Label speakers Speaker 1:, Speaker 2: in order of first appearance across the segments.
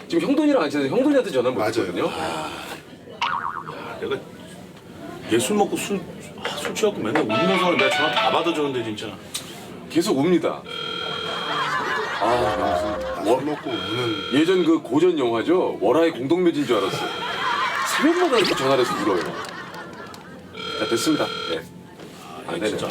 Speaker 1: 지금 형돈이랑 안 친해서 형돈이한테 전화 못 했거든요.
Speaker 2: 내가 얘 술 먹고 술 취하고 맨날 울면서 내가 전화 다 받아줬는데 진짜.
Speaker 1: 계속 웁니다.
Speaker 3: 술 먹고 우는.
Speaker 1: 예전 그 고전 영화죠. 월화의 공동묘지인 줄 알았어요. 새벽마다 이렇게 전화를 해서 울어요. 자, 됐습니다. 네.
Speaker 2: 진짜.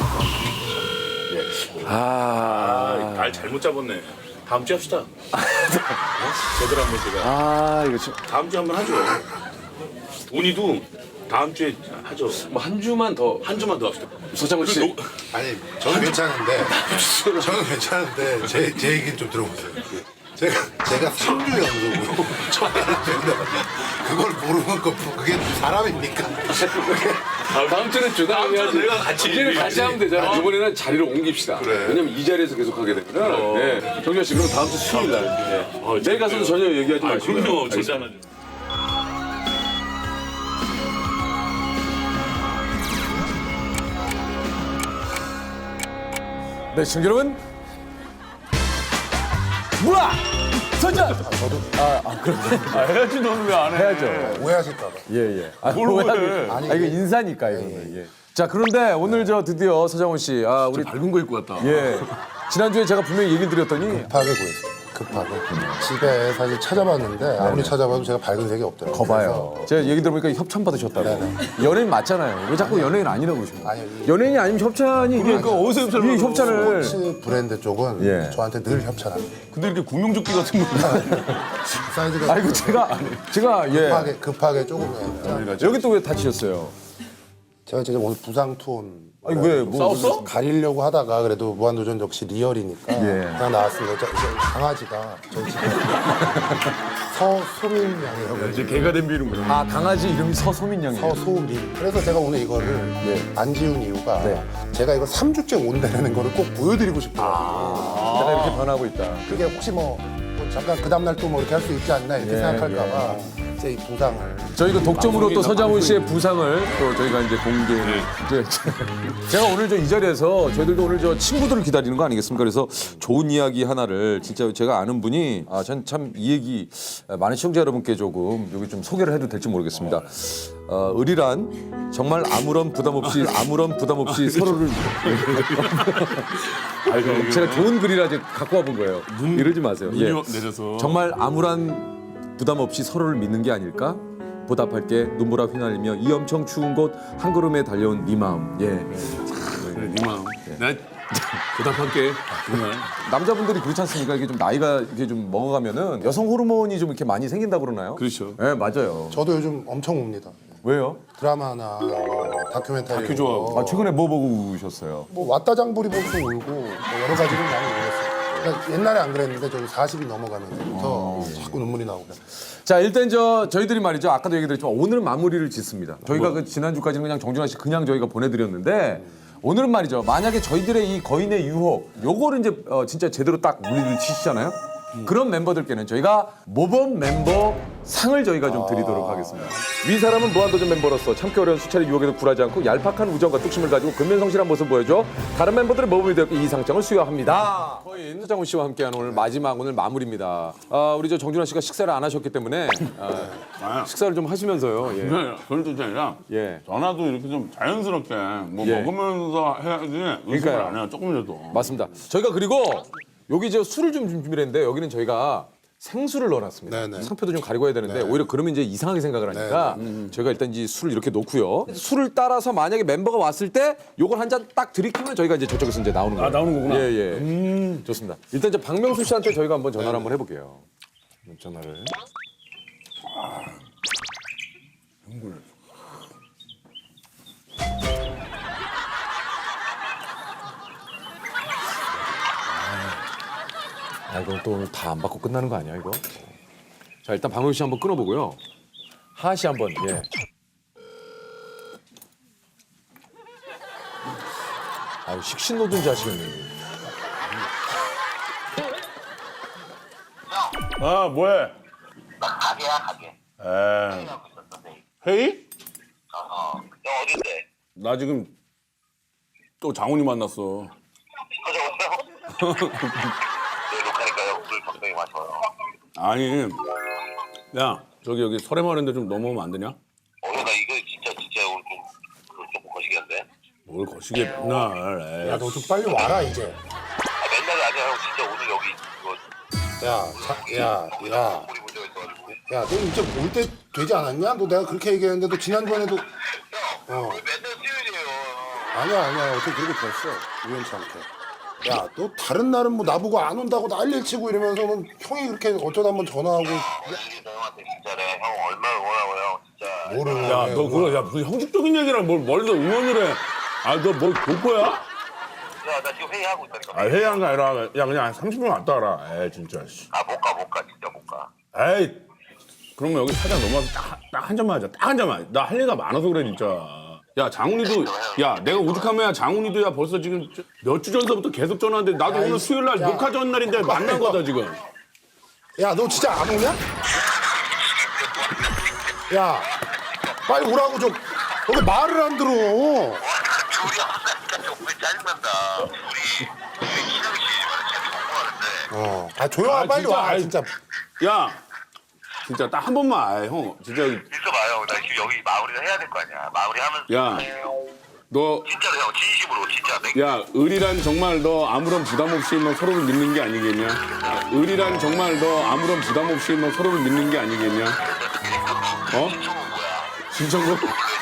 Speaker 2: 날 잘못 잡았네. 다음 주에 합시다. 제대로 한번 제가.
Speaker 1: 이거 좀.
Speaker 2: 다음 주에 한번 하죠. 운이도 다음 주에 하죠.
Speaker 1: 뭐 한 주만 더.
Speaker 2: 한 주만 더 합시다.
Speaker 1: 서장훈 씨.
Speaker 3: 아니 저는 괜찮은데 저는 괜찮은데 제 얘기는 좀 들어보세요. 제가 3주 연속으로 전화를 했는데 그걸 모르는 거 그게 사람입니까?
Speaker 1: 다음 주는 주당 해야지.
Speaker 2: 내가 같이
Speaker 1: 이제는 같이 하면 되잖아. 이번에는 자리를 옮깁시다.
Speaker 3: 그래.
Speaker 1: 왜냐면 이 자리에서 계속 하게 되면. 네. 정준 씨, 그럼 다음 주 수요일 날. 네. 내일 가서도 전혀 얘기하지 마시고요.
Speaker 2: 그럼요. 절대 안 하죠.
Speaker 4: 네, 시청자 여러분. 뭐야! 선전!
Speaker 5: 해야지 너는 왜 안 해?
Speaker 4: 해야죠.
Speaker 3: 오해하실까 봐.
Speaker 4: 예.
Speaker 5: 뭘 오해?
Speaker 4: 아니, 이거 인사니까, 이거는. 예. 자, 그런데 오늘 저 드디어 서장훈 씨, 우리
Speaker 5: 밝은 거 입고 왔다.
Speaker 4: 예. 지난주에 제가 분명히 얘기를 드렸더니
Speaker 3: 급하게 구했어요. 급하게. 집에 사실 찾아봤는데 아무리 찾아봐도 제가 밝은 색이 없더라고요.
Speaker 4: 거봐요. 제가 얘기 들어보니까 협찬 받으셨다고. 연예인 맞잖아요. 왜 자꾸 연예인 아니라고 그러시는 거예요?
Speaker 3: 아니요.
Speaker 4: 연예인이 아니면 협찬이 이게
Speaker 5: 그러니까 어디서 협찬을
Speaker 4: 이게 협찬을
Speaker 3: 스포츠 브랜드 쪽은
Speaker 4: 예.
Speaker 3: 저한테 늘 협찬합니다.
Speaker 5: 근데 이렇게 구명조끼 같은 거.
Speaker 3: 사이즈가
Speaker 4: 아이고 제가 예.
Speaker 3: 급하게 조금 해요.
Speaker 4: 여기 또 왜 다치셨어요?
Speaker 3: 제가 진짜 오늘 부상 투혼
Speaker 4: 아니 왜 뭐
Speaker 5: 싸웠어?
Speaker 3: 가리려고 하다가 그래도 무한도전 역시 리얼이니까
Speaker 4: 예.
Speaker 3: 그냥 나왔습니다. 저 강아지가 저희 집에 서소민 양이라고
Speaker 5: 이제 개가 된 비는구나.
Speaker 4: 아 강아지 이름이 서소민 양이에요.
Speaker 3: 서소민. 그래서 제가 오늘 이거를
Speaker 4: 예.
Speaker 3: 안 지운 이유가
Speaker 4: 네.
Speaker 3: 제가 이거 3주째 온다는 거를 꼭 보여드리고 싶어요.
Speaker 4: 내가 이렇게 변하고 있다.
Speaker 3: 그게 혹시 뭐 잠깐 그 다음날 또 뭐 이렇게 할 수 있지 않나 이렇게
Speaker 4: 예,
Speaker 3: 생각할까 봐 제 이 부상을
Speaker 4: 저희가 독점으로 또 서장훈 씨의 부상을 또 저희가 이제 공개. 제가 오늘 저 이 자리에서 저희들도 오늘 저 친구들을 기다리는 거 아니겠습니까? 그래서 좋은 이야기 하나를 진짜 제가 아는 분이 전 참 이 얘기 많은 시청자 여러분께 조금 여기 좀 소개를 해도 될지 모르겠습니다. 을이란 정말 아무런 부담 없이 서로를 제가 좋은 글이라 이제 갖고 와본 거예요. 이러지 마세요. 예.
Speaker 5: 내려서.
Speaker 4: 정말 아무런 부담 없이 서로를 믿는 게 아닐까? 보답할게 눈보라 휘날리며 이 엄청 추운 곳 한 걸음에 달려온 네 마음. 예.
Speaker 5: 그래, 네 마음. 내가 보답할게. 정말.
Speaker 4: 남자분들이 그렇지 않습니까? 이게 좀 나이가 이렇게 좀 먹어가면은 여성 호르몬이 좀 이렇게 많이 생긴다고 그러나요?
Speaker 5: 그렇죠.
Speaker 4: 네, 맞아요.
Speaker 3: 저도 요즘 엄청 옵니다.
Speaker 4: 왜요?
Speaker 3: 드라마나 다큐멘터리
Speaker 5: 다큐 좋아하고.
Speaker 4: 최근에 뭐 보고 우셨어요?
Speaker 3: 뭐 왔다 장보리 보고도 울고 뭐 여러 가지를 많이 울었어요. 그러니까 옛날에 안 그랬는데 저는 40이 넘어가면서부터 자꾸 눈물이 나오고 그래요.
Speaker 4: 자, 일단 저희들이 말이죠. 아까도 얘기 드렸지만 오늘은 마무리를 짓습니다. 저희가 그 지난주까지는 그냥 정준하 씨 그냥 저희가 보내드렸는데 오늘은 말이죠. 만약에 저희들의 이 거인의 유혹 요거를 이제 진짜 제대로 딱 물리를 치시잖아요. 그런 멤버들께는 저희가 모범 멤버 상을 저희가 좀 드리도록 하겠습니다. 위 사람은 무한도전 멤버로서 참기 어려운 수차례 유혹에도 굴하지 않고 얄팍한 우정과 뚝심을 가지고 근면성실한 모습을 보여줘 다른 멤버들의 모범이 되었고 이 상장을 수여합니다. 거인 서장훈 씨와 함께하는 오늘 마지막 오늘 마무리입니다. 우리 저 정준하 씨가 식사를 안 하셨기 때문에 식사를 좀 하시면서요. 예.
Speaker 5: 그런 뜻이 아니라
Speaker 4: 예.
Speaker 5: 전화도 이렇게 좀 자연스럽게 뭐
Speaker 4: 예.
Speaker 5: 먹으면서 해야지 의식을
Speaker 4: 그러니까요.
Speaker 5: 안 해요. 조금이라도.
Speaker 4: 맞습니다. 저희가 그리고 여기 저 술을 좀 준비를 했는데 여기는 저희가 생수를 넣어놨습니다.
Speaker 3: 네네.
Speaker 4: 상표도 좀 가리고 해야 되는데 오히려 그러면 이제 이상하게 생각을 하니까 저희가 일단 이제 술을 이렇게 놓고요. 술을 따라서 만약에 멤버가 왔을 때 요걸 한 잔 딱 들이키면 저희가 이제 저쪽에서 이제 나오는 거예요.
Speaker 5: 나오는 거구나.
Speaker 4: 예. 좋습니다. 일단 이제 박명수 씨한테 저희가 한번 전화를 한번 해볼게요. 전화를. 이건 또 오늘 다 안 받고 끝나는 거 아니야 이거? 자 일단 박명수 씨 한번 끊어보고요. 하하 씨 한번 예. 식신노동자 하시겠네.
Speaker 5: 아, 뭐해?
Speaker 6: 나 가게야 가게.
Speaker 5: 에.
Speaker 6: 하고 있었어 내일.
Speaker 5: 회의?
Speaker 6: 형 어딘데?
Speaker 5: 나 지금 또 장훈이 만났어.
Speaker 6: 어제 오세요? 내 녹화니까요. 술 적당히 마셔요.
Speaker 5: 아니, 야, 저기 여기 설해마을인데 좀 넘어오면 안 되냐?
Speaker 6: 나 이거 진짜 오늘 조금 거시기한데.
Speaker 5: 뭘 거시게 맨날. 에이.
Speaker 3: 야, 너 좀 빨리 와라 이제.
Speaker 6: 맨날이 아니야 형. 진짜 오늘 여기 이거 우리 문제가 있어가지고.
Speaker 3: 야, 너 이제 올 때 되지 않았냐? 너 내가 그렇게 얘기했는데 너 지난번에도
Speaker 6: 형, 왜 맨날 쓰유지예요?
Speaker 3: 아니야 어떻게 그렇게 됐어 우연치 않게. 야, 너 다른 날은 뭐 나보고 안 온다고 난리를 치고 이러면서는 형이 그렇게 어쩌다 한번 전화하고
Speaker 6: 이게 너 형한테 진짜래. 형 얼마나 원하고 형 진짜.
Speaker 3: 뭐를
Speaker 5: 야, 너 그거 야 무슨 형식적인 얘기랑 뭘 멀리서 응원을 해? 아, 너 뭘 교포야?
Speaker 6: 야, 나 지금 회의하고 있다니까.
Speaker 5: 아, 회의한 거 아니라 야 그냥 한 30분 왔다 가라. 에이 진짜. 씨.
Speaker 6: 못 가, 진짜 못 가.
Speaker 5: 에이. 그러면 여기 사장 넘어가서 딱 한 잔만 하자. 딱 한 잔만. 나 할 얘기가 많아서 그래 진짜. 야 장훈이도 야 내가 오죽하면 장훈이도 야 벌써 지금 몇 주 전서부터 계속 전화하는데 나도 오늘 수요일 날 녹화 전날인데 만난 거다 지금.
Speaker 3: 야, 너 진짜 안 오냐? 야, 빨리 오라고 좀. 왜 말을 안 들어?
Speaker 6: 둘이 하니까 좀 짜증난다. 둘이 신영 씨 말을 재미 공부하는데.
Speaker 3: 아, 조용하 빨리
Speaker 5: 진짜,
Speaker 3: 와
Speaker 5: 아이,
Speaker 3: 진짜.
Speaker 5: 야 진짜 딱 한 번만. 아이, 형 진짜
Speaker 6: 있어봐요. 나 지금 여기 마무리를 해야 될 거 아니야. 마무리하면서.
Speaker 5: 야. 너
Speaker 6: 진짜로 형 진심으로 진짜.
Speaker 5: 야, 을이란 정말 너 아무런 부담 없이 뭐 서로를 믿는 게 아니겠냐? 을이란 정말 너 아무런 부담 없이 뭐 서로를 믿는 게 아니겠냐? 어? 신청곡?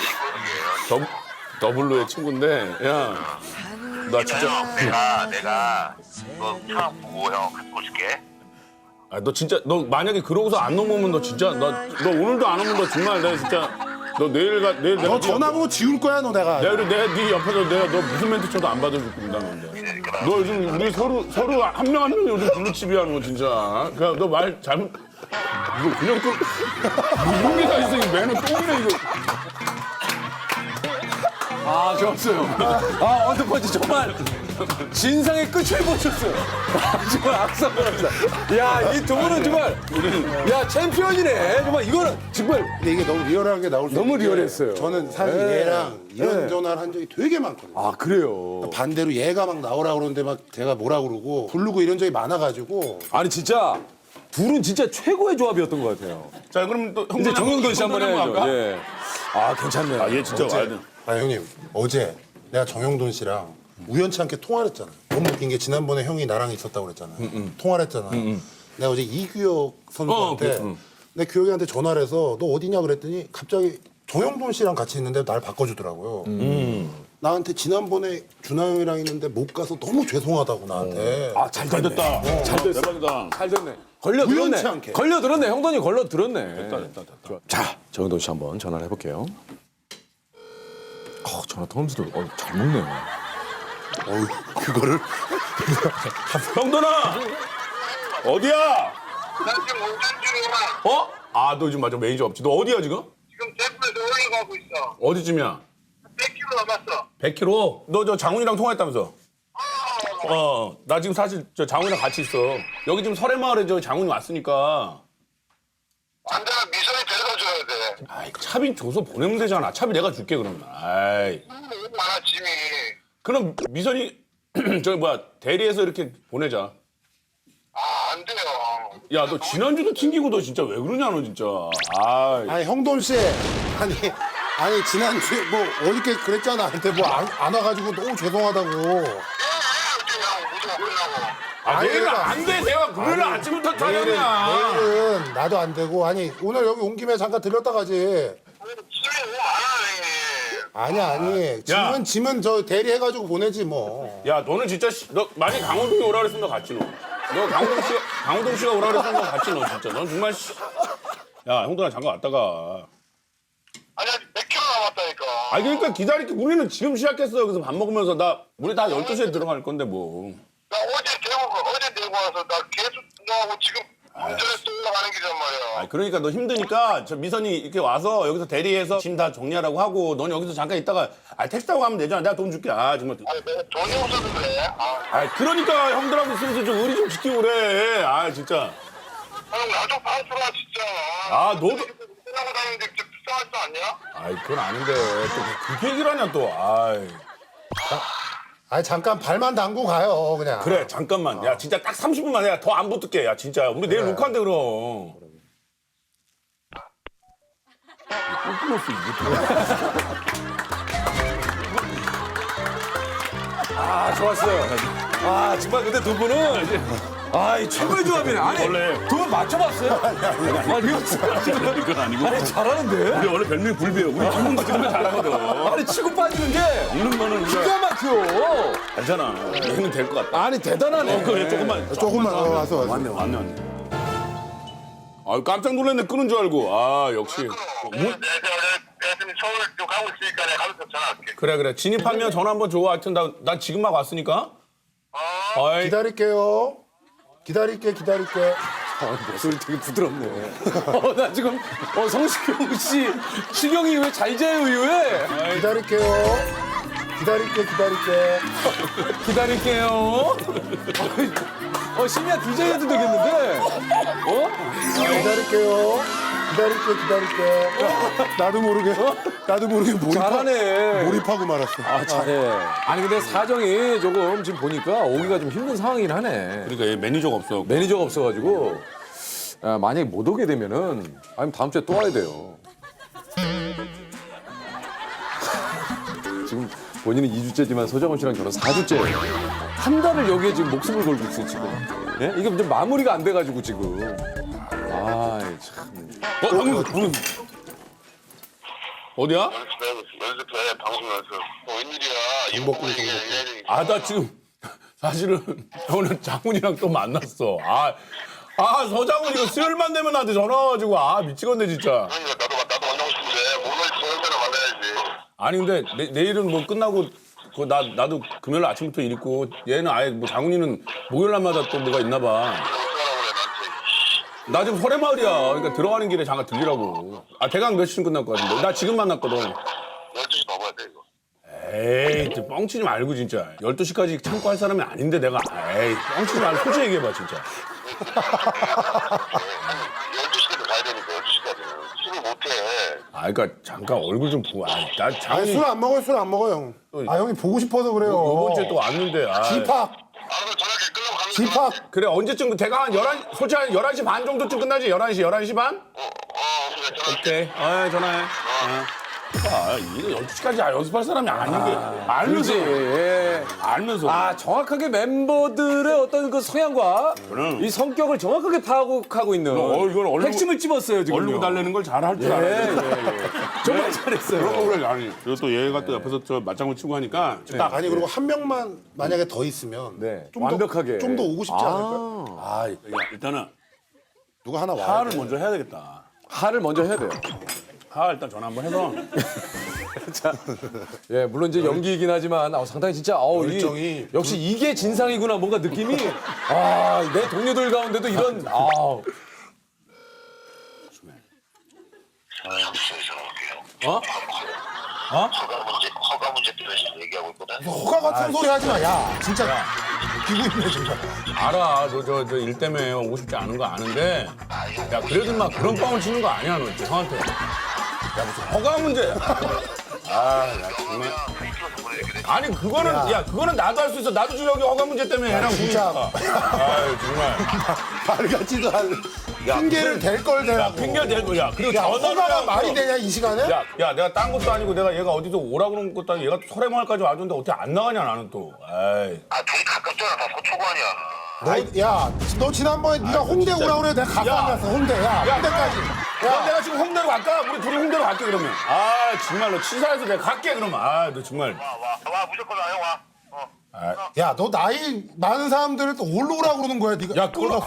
Speaker 5: 더블로의 친구인데, 야, 나 진짜,
Speaker 6: 내가 너 처음 보고 형 갖고 올게.
Speaker 5: 아, 너 진짜, 너 만약에 그러고서 안 넘어오면 너 진짜, 너 오늘도 안 오면 너 정말 내가 진짜, 너 내일 내가
Speaker 3: 너 전화번호 지울 거야 너 내가.
Speaker 5: 내가 네 옆에서 내가 너 무슨 멘트 쳐도 안 받아줄 거다 너인데. 너 요즘 우리 서로 한 명 한 명 요즘 블루칩이야 너 진짜. 그냥 너 말 잘못 이거 그냥 또 무슨 게 다 있어 이 매너 똥이네 이거.
Speaker 4: 아, 좋았어요. 아, 언더펀치 정말 진상의 끝을 보셨어요. 아, 정말 악성합니다. 야, 이 두 분은 정말, 야, 챔피언이네. 정말 이거는 정말
Speaker 3: 근데 이게 너무 리얼하게 나올 수
Speaker 4: 너무
Speaker 3: 있는 게
Speaker 4: 리얼했어요.
Speaker 3: 저는 사실
Speaker 4: 네.
Speaker 3: 얘랑 이런
Speaker 4: 네.
Speaker 3: 전화를 한 적이 되게 많거든요.
Speaker 4: 아, 그래요.
Speaker 3: 반대로 얘가 막 나오라 그러는데 막 제가 뭐라 그러고 부르고 이런 적이 많아가지고.
Speaker 4: 아니, 진짜 둘은 진짜 최고의 조합이었던 것 같아요.
Speaker 5: 자 그럼 또
Speaker 4: 이제 정영돈 씨 한번 해야죠.
Speaker 5: 할까?
Speaker 4: 예. 아, 괜찮네요.
Speaker 5: 아 얘 진짜 와야 돼.
Speaker 3: 아, 형님 어제 내가 정영돈 씨랑 우연치 않게 통화를 했잖아. 너무 웃긴 게 지난번에 형이 나랑 있었다고 그랬잖아. 통화를 했잖아. 내가 어제 이규혁 선수한테 내 규혁이한테 전화를 해서 너 어디냐 그랬더니 갑자기 정영돈 씨랑 같이 있는데 날 바꿔주더라고요. 나한테 지난번에 준하 형이랑 있는데 못 가서 너무 죄송하다고 나한테.
Speaker 4: 아, 잘 됐다. 잘 됐어.
Speaker 5: 대박이다.
Speaker 4: 잘 됐네. 걸려들었네.
Speaker 3: 우연치 않게.
Speaker 4: 걸려들었네. 형돈이 걸려들었네.
Speaker 5: 됐다.
Speaker 4: 좋아. 자, 정영돈 씨 한번 전화를 해볼게요. 전화 통화하면서도 잘 먹네요.
Speaker 3: 어우, 그거를
Speaker 5: 형돈아 어디야?
Speaker 6: 나 지금 운전 중이야.
Speaker 5: 어? 아 너 지금 맞아 매니저 없지. 너 어디야 지금?
Speaker 6: 지금 대구에서 올라가고 있어.
Speaker 5: 어디쯤이야?
Speaker 6: 100km 남았어.
Speaker 5: 100km? 너 저 장훈이랑 통화했다면서? 나 지금 사실 저 장훈이랑 같이 있어. 여기 지금 설해마을에 저 장훈이 왔으니까.
Speaker 6: 안 돼, 미선이 데려다 줘야 돼.
Speaker 5: 아이 차비 줘서 보내면 되잖아. 차비 내가 줄게 그러면. 아이.
Speaker 6: 너무 많아, 짐이.
Speaker 5: 그럼 미선이 저기 뭐야 대리해서 이렇게 보내자.
Speaker 6: 안 돼요.
Speaker 5: 야 너 지난주도 튕기고 너 진짜 왜 그러냐 너 진짜. 아이.
Speaker 3: 아니 형돈 씨 아니 지난주에 뭐 어저께 그랬잖아. 나한테 뭐 안 와가지고 너무 죄송하다고.
Speaker 5: 아 내일은
Speaker 3: 내가-
Speaker 5: 안 돼. 내가 금요일 날 아침부터
Speaker 3: 내일은
Speaker 5: 촬영이야.
Speaker 3: 나도 안 되고 아니 오늘 여기 온 김에 잠깐 들렸다 가지.
Speaker 6: 짐이 너무 많아, 형님.
Speaker 3: 아니 짐은 저 대리해가지고 보내지 뭐.
Speaker 5: 야 너는 진짜 너 만약 강호동이 오라 그랬으면 너 같이 너 강호동 씨가 오라 그랬으면 너 같이 너 진짜 넌 정말 야 형들아 잠깐 왔다가
Speaker 6: 아니, 아직 100km 남았다니까.
Speaker 5: 아 그러니까 기다릴게 우리는 지금 시작했어 여기서 밥 먹으면서 우리 다 12시에 들어갈 건데 뭐
Speaker 6: 나 어제 대구 와서 나 계속 너하고 지금 운전해서 또 올라가는 길이란 말이야.
Speaker 5: 아 그러니까 너 힘드니까 저 미선이 이렇게 와서 여기서 대리해서 짐 다 정리하라고 하고 넌 여기서 잠깐 있다가 택시 타고 가면 되잖아 내가 돈 줄게 정말
Speaker 6: 아니, 내가 돈이 없어서 그래.
Speaker 5: 그러니까 형들하고 있으면서 좀 의리 좀 지키고 그래 진짜
Speaker 6: 형, 나좀 봐주라, 진짜.
Speaker 5: 너도
Speaker 6: 운전하고 다니는데 진짜 불쌍하지 않냐?
Speaker 5: 그건 아닌데 또 그렇게 얘기를 하냐 또
Speaker 3: 아니 잠깐 발만 담고 가요 그냥.
Speaker 5: 그래 잠깐만 야 진짜 딱 30분만 해 더 안 붙을게 야 진짜 우리 내일 녹화한대 그럼 참았어 이거.
Speaker 4: 아 좋았어요. 아 정말 근데 두 분은 이 최고의 조합이네. 아니
Speaker 5: 원래-
Speaker 4: 두 분 맞춰봤어요? 아니 이거
Speaker 5: 이건 아니고.
Speaker 4: 아니 잘하는데?
Speaker 5: 우리 원래 별명이 불비예요. 우리 한번도 그런 거 잘하거든.
Speaker 4: 아니 치고 빠지는 게
Speaker 5: 먹는 거는 우리가
Speaker 4: 기가 막혀.
Speaker 5: 괜찮아. 얘는 될 것 같다.
Speaker 4: 아니 대단하네.
Speaker 5: 그래 조금만
Speaker 3: 와서
Speaker 5: 왔네. 아 깜짝 놀랐네. 끄는 줄 알고. 아 역시.
Speaker 6: 내가 지금 서울 좀 가고 있으니까 내가 가면서 전화할게.
Speaker 5: 그래. 진입하면 전화 한번 줘. 하여튼 난 지금 막 왔으니까. 아이,
Speaker 3: 기다릴게요. 기다릴게.
Speaker 4: 목소리 되게 부드럽네. 나 지금 성시경 씨 시경이 왜 잘 자요 이후에
Speaker 3: 기다릴게요.
Speaker 4: 기다릴게요. 심야 DJ 해도 되겠는데?
Speaker 3: 기다릴게요. 나도 모르게
Speaker 4: 잘하네.
Speaker 3: 몰입하고 말았어.
Speaker 4: 아 잘해. 아니 근데 사정이 조금 지금 보니까 오기가 좀 힘든 상황이긴 하네.
Speaker 5: 그러니까 얘 매니저가 없어.
Speaker 4: 매니저가 없어가지고 만약에 못 오게 되면은 아니면 다음 주에 또 와야 돼요. 지금 본인은 2주째지만 서정원 씨랑 결혼 4주째예요. 한 달을 여기에 지금 목숨을 걸고 있어요 지금. 예? 이게 이제 마무리가 안 돼가지고 지금. 아 참.
Speaker 5: 방금 어디야?
Speaker 6: 연습해 방송 연습. 웬일이야?
Speaker 3: 정복군.
Speaker 5: 아 나 지금 사실은 오늘 장훈이랑 또 만났어. 서장훈 이거 수요일만 되면 나한테 전화 와가지고 미치겠네 진짜.
Speaker 6: 그러니까 나도 만나고 싶은데 오늘 저녁 때나 만나야지.
Speaker 5: 아니 근데 내일은 뭐 끝나고 나도 금요일 아침부터 일 있고 얘는 아예 뭐 장훈이는 목요일 날마다 또 뭐가 있나 봐. 나 지금 설해마을이야. 그러니까 들어가는 길에 잠깐 들리라고. 대강 몇 시쯤 끝날 것 같은데. 나 지금 만났거든.
Speaker 6: 12시 넘어야 돼 이거.
Speaker 5: 에이, 또 뻥치지 말고 진짜. 12시까지 참고 할 사람이 아닌데 내가. 에이, 뻥치지 말고 솔직히 얘기해봐 진짜.
Speaker 6: 12시까지 가야 되니까 12시까지는 술을 못해.
Speaker 5: 그러니까 잠깐 얼굴 좀 보고. 나 장훈이
Speaker 3: 술 안 먹어요, 형. 형이 보고 싶어서 그래요.
Speaker 5: 이번 주에 또 왔는데.
Speaker 3: 집합.
Speaker 6: 알아서 전화할게. 끝나고 가면
Speaker 3: 집합.
Speaker 5: 그래 언제쯤 대강 한 11시 솔직히 한 11시 반 정도쯤 끝나지? 11시 반?
Speaker 6: 그래 전화할게.
Speaker 5: 오케이. 전화해. 이거 12시까지 연습할 사람이 아닌 게 알면서.
Speaker 4: 그렇지.
Speaker 5: 알면서.
Speaker 4: 정확하게 멤버들의 어떤 그 성향과
Speaker 5: 그럼.
Speaker 4: 이 성격을 정확하게 파악하고 있는
Speaker 5: 이건 얼른
Speaker 4: 핵심을 찝었어요 지금.
Speaker 5: 얼굴 달래는 걸 잘 할 줄 알아.
Speaker 4: 정말 잘했어요.
Speaker 5: 그런 거 그래. 아니. 그리고 또 얘가 또 옆에서 저 맞장구 치고 하니까.
Speaker 3: 딱 아니 그리고 한 명만 만약에 더 있으면
Speaker 4: 네.
Speaker 3: 좀
Speaker 4: 완벽하게.
Speaker 3: 좀 더 오고 싶지 않을까?
Speaker 5: 일단은
Speaker 3: 누가 하나 와야
Speaker 5: 하를
Speaker 3: 돼.
Speaker 5: 먼저 해야 되겠다.
Speaker 4: 하를 먼저 해야 돼요.
Speaker 5: 하 일단 전화 한번 해서.
Speaker 4: 예, 물론 이제 연기이긴 하지만 상당히 진짜
Speaker 3: 열정이
Speaker 4: 역시 이게 진상이구나 뭔가 느낌이 내 동료들 가운데도 이런
Speaker 6: 허가 문제 때문에 지금 얘기하고 있거든.
Speaker 3: 허가 같은 소리 하지 마. 야, 진짜 웃기고 있네 진짜.
Speaker 5: 알아. 저 일 때문에 오고 싶지 않은 거 아는데. 야 그래도 막 그런 뻥을 치는 거 아니야 너 형한테. 야 무슨 허가 문제야. 야 정말. 아니 그거는 나도 할 수 있어. 나도 지금 여기 허가 문제 때문에 애랑
Speaker 3: 진짜.
Speaker 5: 부니까. 정말.
Speaker 3: 말 같지도 않은 핑계를 댈 걸 대라고.
Speaker 5: 핑계 대고 야 그리고
Speaker 3: 야,
Speaker 5: 전화를
Speaker 3: 허가가
Speaker 5: 해갖고.
Speaker 3: 말이 되냐 이 시간에?
Speaker 5: 야 내가 딴 것도 아니고 내가 얘가 어디서 오라고 그런 것도 아니고 얘가 설해마을까지 와줬는데 어떻게 안 나가냐 나는 또. 에이.
Speaker 6: 둘이 가깝잖아. 다 서초구 아니야.
Speaker 3: 너 지난번에 네가 홍대 오라고 그래. 내가 갔다 안 갔어. 홍대. 홍대까지.
Speaker 5: 야, 내가 지금 홍대로 갈까? 우리 둘이 홍대로 갈게 그러면. 정말로 치사해서 내가 갈게 그러면. 너 정말.
Speaker 6: 와 무조건 와 형 와.
Speaker 3: 야, 너 나이 많은 사람들을 또 올로 오라고 그러는 거야. 네가.
Speaker 5: 야, 그걸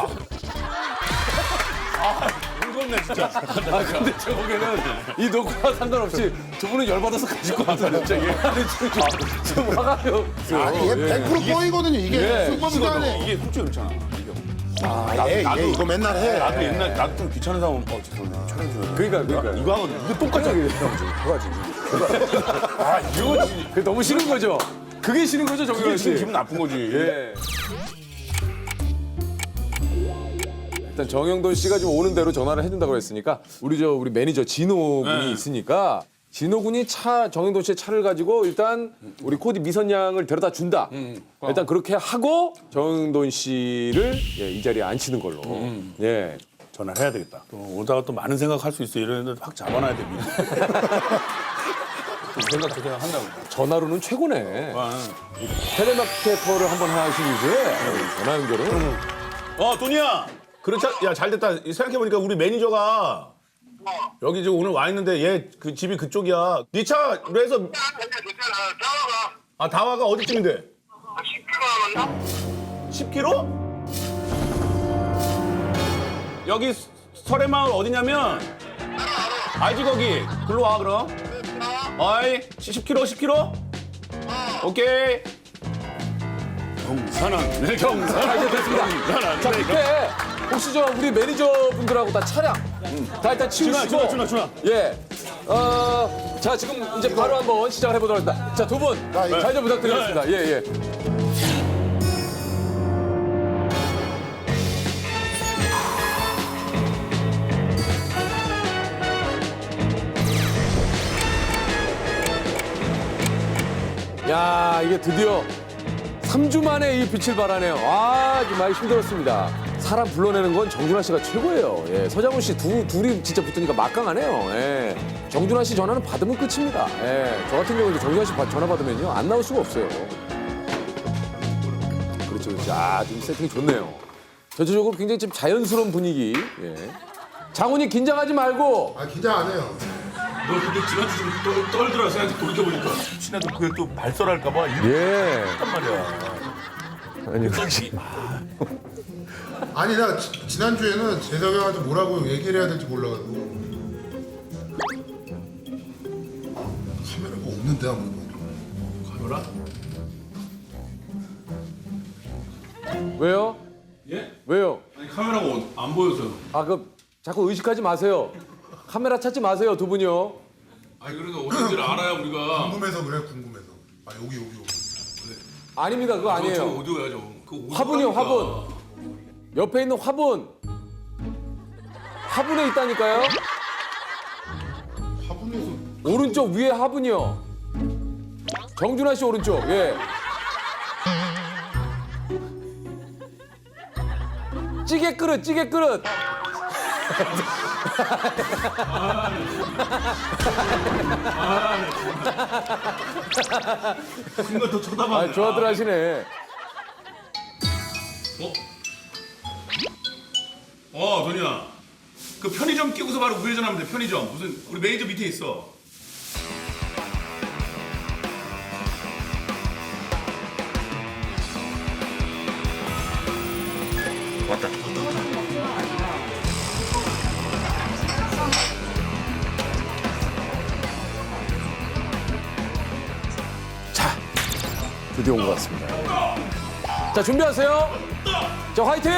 Speaker 5: 무섭네 진짜.
Speaker 4: 근데 제 보기에는 이 녹화와 상관없이 두 분은 열받아서 가실 것 같아요 갑자기. 아니 지금 화가
Speaker 3: 아니, 얘 100% 뻥이거든요. 이게 술법이 안에.
Speaker 5: 이게 솔직히 그렇잖아.
Speaker 3: 얘 이거 맨날 해.
Speaker 5: 나도 옛날 나도 좀 귀찮은 사람 죄송해요. 촬영 좀.
Speaker 4: 그러니까
Speaker 5: 이거 하고 이거 똑같아.
Speaker 4: 이거지. 그게 너무 싫은 거죠. 그게 싫은 거죠 정규현
Speaker 5: 그게
Speaker 4: 씨.
Speaker 5: 지금 기분 나쁜 거지.
Speaker 4: 예. 일단 정영돈 씨가 지금 오는 대로 전화를 해준다고 했으니까 우리 매니저 진호 군이 있으니까 진호 군이 정영돈 씨의 차를 가지고 일단 우리 코디 미선 양을 데려다 준다. 일단 그렇게 하고 정영돈 씨를 이 자리에 앉히는 걸로. 예.
Speaker 5: 전화를 해야 되겠다. 또 오다가 또 많은 생각할 수 있어. 이러는데 확 잡아놔야 돼. 미리. 또 생각 저 생각 한다고.
Speaker 4: 전화로는 최고네.
Speaker 5: 아,
Speaker 4: 텔레마케터를 한번 하신 이후에 전화 연결은
Speaker 5: 돈이야. 그렇지. 야, 잘 됐다. 생각해 보니까 우리 매니저가 여기 지금 오늘 와 있는데 얘 그 집이 그쪽이야. 네 차로 해서
Speaker 6: 괜찮아.
Speaker 5: 다와가 어디쯤인데?
Speaker 6: 10km 남았나?
Speaker 5: 10km? 여기 설해마을 어디냐면 알지 거기. 글로 와 그럼. 어이 10km? 오케이. 경산한 네 경산한
Speaker 4: 이제 됐습니다. 자, 그때 혹시 저 우리 매니저분들하고 다 차량 다 일단 치우시고
Speaker 5: 준아.
Speaker 4: 예. 자, 지금 이제 바로 한번 시작을 해보도록 하겠습니다. 자, 두 분 잘 좀 부탁드리겠습니다. 예, 예. 야, 이게 드디어 3주 만에 이 빛을 발하네요. 아, 정말 힘들었습니다. 사람 불러내는 건 정준하 씨가 최고예요. 예, 서장훈 씨 둘이 진짜 붙으니까 막강하네요. 예, 정준하 씨 전화는 받으면 끝입니다. 예, 저 같은 경우는 정준하 씨 전화 받으면요 안 나올 수가 없어요. 그렇죠. 아, 좀 세팅이 좋네요. 전체적으로 굉장히 좀 자연스러운 분위기. 예. 장훈이 긴장하지 말고.
Speaker 3: 아 긴장 안 해요.
Speaker 2: 너 근데 지난주 좀 떨더라 생각 돌이켜보니까. 혹시나도 그게 또 발설할까봐
Speaker 4: 예.
Speaker 2: 이랬단 말이야.
Speaker 4: 아니, 혹시
Speaker 3: 아니 나 지난주에는 재석이 형한테 뭐라고 얘기를 해야 될지 몰라가지고 카메라가 없는데 아무도.
Speaker 2: 카메라?
Speaker 4: 왜요?
Speaker 2: 예?
Speaker 4: 왜요?
Speaker 2: 아니 카메라가 안 보여서.
Speaker 4: 아, 그 자꾸 의식하지 마세요. 카메라 찾지 마세요, 두 분이요.
Speaker 2: 아니 그래도 어딘지를 알아야 우리가.
Speaker 3: 궁금해서 그래 궁금해서. 아 여기.
Speaker 4: 아닙니다, 그거
Speaker 2: 저
Speaker 4: 아니에요.
Speaker 2: 오디오야 저. 그 오디오
Speaker 4: 화분이요,
Speaker 2: 하니까.
Speaker 4: 화분. 옆에 있는 화분. 화분에 있다니까요.
Speaker 3: 화분에서
Speaker 4: 오른쪽 위에 화분이요. 정준하 씨 오른쪽. 예. 찌개 그릇.
Speaker 2: 순간 더 쳐다봤네.
Speaker 4: 아, 좋아들 하시네.
Speaker 2: 돈이야. 그 편의점 끼고서 바로 우회전하면 돼. 편의점. 무슨 우리 매니저 밑에 있어. 왔다.
Speaker 4: 드디어 온 것 같습니다. 자, 준비하세요. 자, 화이팅!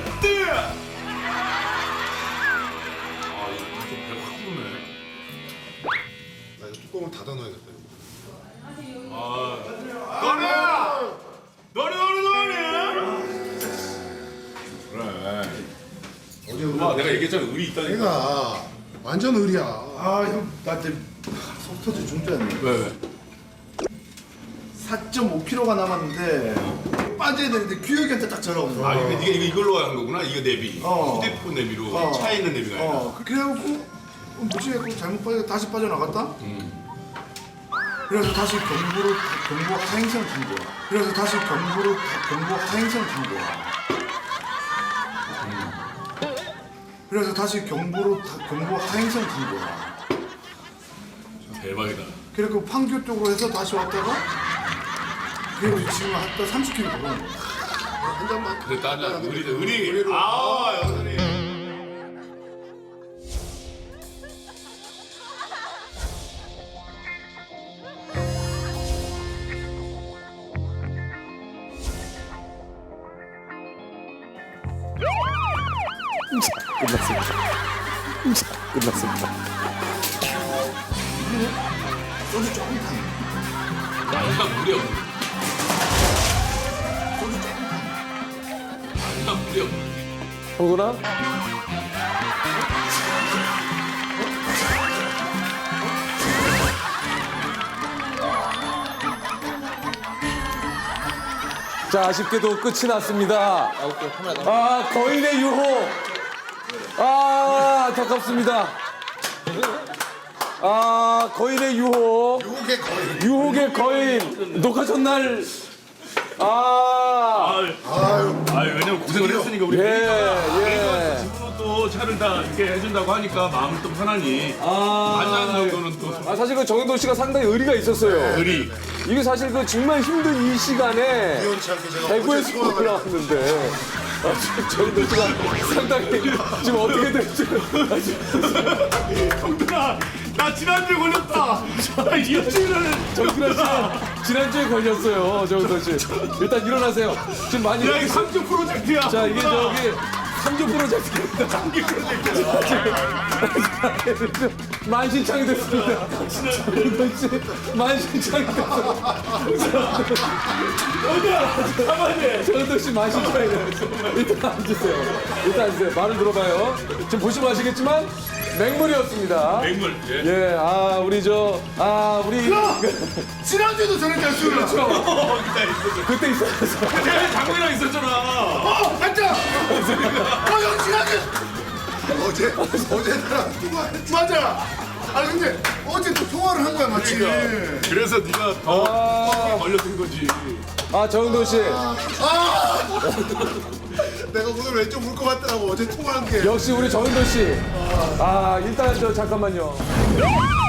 Speaker 3: 나 이거 뚜껑을 닫아놔야겠다. 어제 우리
Speaker 2: 내가 얘기했잖아. 의리 있다니까.
Speaker 3: 내가 완전 의리야. 아 형 나한테 속 터져 중짜였네.
Speaker 2: 왜?
Speaker 7: 4.5kg가 남았는데 빠져야 되는데 규혁이한테 딱 전화 오는
Speaker 2: 아,
Speaker 7: 거야.
Speaker 2: 이게 이걸로 한 거구나. 이거 내비. 휴대폰 내비로. 차에 있는 내비가 아니라.
Speaker 7: 그래갖고 뭐지 했고 잘못 빠져 다시 빠져나갔다. 그래서 다시 경보 하행성 준 거야. 그래서 다시 경보 하행성 준 거야. 그래서 다시 경보 하행성 준 거야.
Speaker 2: 대박이다.
Speaker 7: 그리고 판교 쪽으로 해서 다시 왔다가 그리고 지금 한다 30km 걸어.
Speaker 3: 한 잔만.
Speaker 2: 그랬다 하자. 의리. 아, 여전히.
Speaker 4: 끝났습니다.
Speaker 7: 소주 조금 타네.
Speaker 2: 일단 물이 없는.
Speaker 7: 소주 조금 타네.
Speaker 2: 일단 물이 없는.
Speaker 4: 형도나? 자, 아쉽게도 끝이 났습니다. 아, 거인의 유혹. 아, 안타깝습니다. 아, 거인의 유혹.
Speaker 3: 요게 거의.
Speaker 4: 유혹의 거인. 녹화 전날. 아,
Speaker 2: 왜냐면 고생을 했으니까 우리
Speaker 4: 예.
Speaker 2: 집으로 또 차를 다 이렇게 해준다고 하니까 마음이 또 편하니. 만나는 정도는 또.
Speaker 4: 아, 사실 그 정현도 씨가 상당히 의리가 있었어요.
Speaker 2: 의리.
Speaker 4: 이게 사실 그 정말 힘든 이 시간에
Speaker 3: 우연치 않게 제가
Speaker 4: 대구에서
Speaker 3: 어제 소화가
Speaker 4: 올라왔는데 정현도 씨가 상당히 지금 어떻게 될지
Speaker 2: 형들아, 나 지난주에 걸렸다. 일주일을.
Speaker 4: 정준하 씨 지난주에 걸렸어요. 정현도 씨 일단 일어나세요. 지금 많이
Speaker 2: 야, 이 3주 프로젝트야.
Speaker 4: 자 이게 저기 3주 프로젝트입니다.
Speaker 2: 장기 프로젝트야.
Speaker 4: 만신창이 됐습니다. 정현도 씨 만신창이 됐어요. 정현도 씨 만신창이 됐어요. 일단 앉으세요. 일단 앉으세요. 말을 들어봐요. 지금 보시면 아시겠지만 맹물이었습니다.
Speaker 2: 맹물. 예.
Speaker 4: 예, 아 우리 우리
Speaker 7: 지난주에도 저렇게 할 수는 없어.
Speaker 4: 그때 있었어.
Speaker 2: 내가 장군이랑 있었잖아.
Speaker 7: 앉아. 형 지난주.
Speaker 3: 어제 나랑 통화했지.
Speaker 7: 맞아. 아니 근데 어제 또 통화를 한 거야 마치.
Speaker 2: 그래서 네가 더 걸렸던 거지.
Speaker 4: 아 정현도 씨
Speaker 3: 내가 오늘 왼쪽 울 것 같더라고. 어제 통화한 게.
Speaker 4: 역시 우리 정현도 씨. 아 일단 저 잠깐만요.